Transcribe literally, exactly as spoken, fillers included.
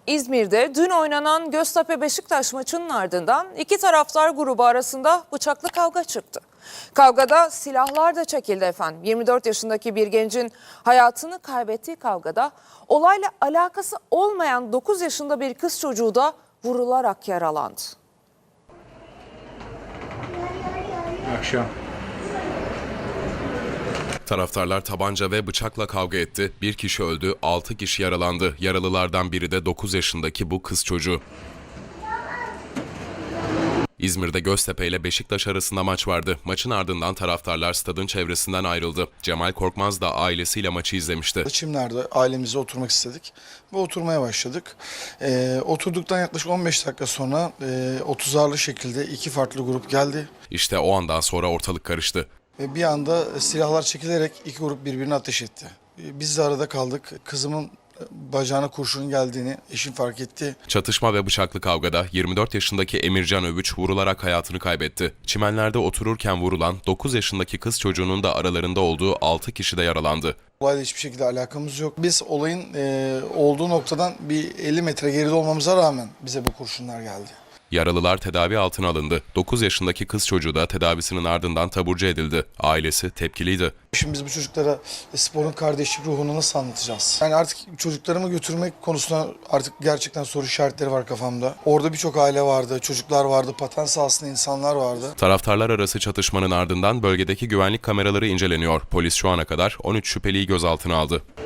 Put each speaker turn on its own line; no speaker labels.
İzmir'de dün oynanan Göztepe-Beşiktaş maçının ardından iki taraftar grubu arasında bıçaklı kavga çıktı. Kavgada silahlar da çekildi efendim. yirmi dört yaşındaki bir gencin hayatını kaybettiği kavgada olayla alakası olmayan dokuz yaşında bir kız çocuğu da vurularak yaralandı.
Akşam.
Taraftarlar tabanca ve bıçakla kavga etti. Bir kişi öldü, altı kişi yaralandı. Yaralılardan biri de dokuz yaşındaki bu kız çocuğu. İzmir'de Göztepe ile Beşiktaş arasında maç vardı. Maçın ardından taraftarlar stadın çevresinden ayrıldı. Cemal Korkmaz da ailesiyle maçı izlemişti.
Çimler'de ailemizle oturmak istedik ve oturmaya başladık. Ee, oturduktan yaklaşık on beş dakika sonra e, otuzarlı şekilde iki farklı grup geldi.
İşte o andan sonra ortalık karıştı.
Ve bir anda silahlar çekilerek iki grup birbirine ateş etti. Biz de arada kaldık. Kızımın bacağına kurşunun geldiğini eşim fark etti.
Çatışma ve bıçaklı kavgada yirmi dört yaşındaki Emircan Övüç vurularak hayatını kaybetti. Çimenlerde otururken vurulan dokuz yaşındaki kız çocuğunun da aralarında olduğu altı kişi de yaralandı.
Olayla hiçbir şekilde alakamız yok. Biz olayın e, olduğu noktadan bir elli metre geride olmamıza rağmen bize bu kurşunlar geldi.
Yaralılar tedavi altına alındı. dokuz yaşındaki kız çocuğu da tedavisinin ardından taburcu edildi. Ailesi tepkiliydi.
Şimdi biz bu çocuklara sporun kardeşlik ruhunu nasıl anlatacağız? Yani artık çocuklarımı götürmek konusunda artık gerçekten soru işaretleri var kafamda. Orada birçok aile vardı, çocuklar vardı, paten sahasında insanlar vardı.
Taraftarlar arası çatışmanın ardından bölgedeki güvenlik kameraları inceleniyor. Polis şu ana kadar on üç şüpheliyi gözaltına aldı.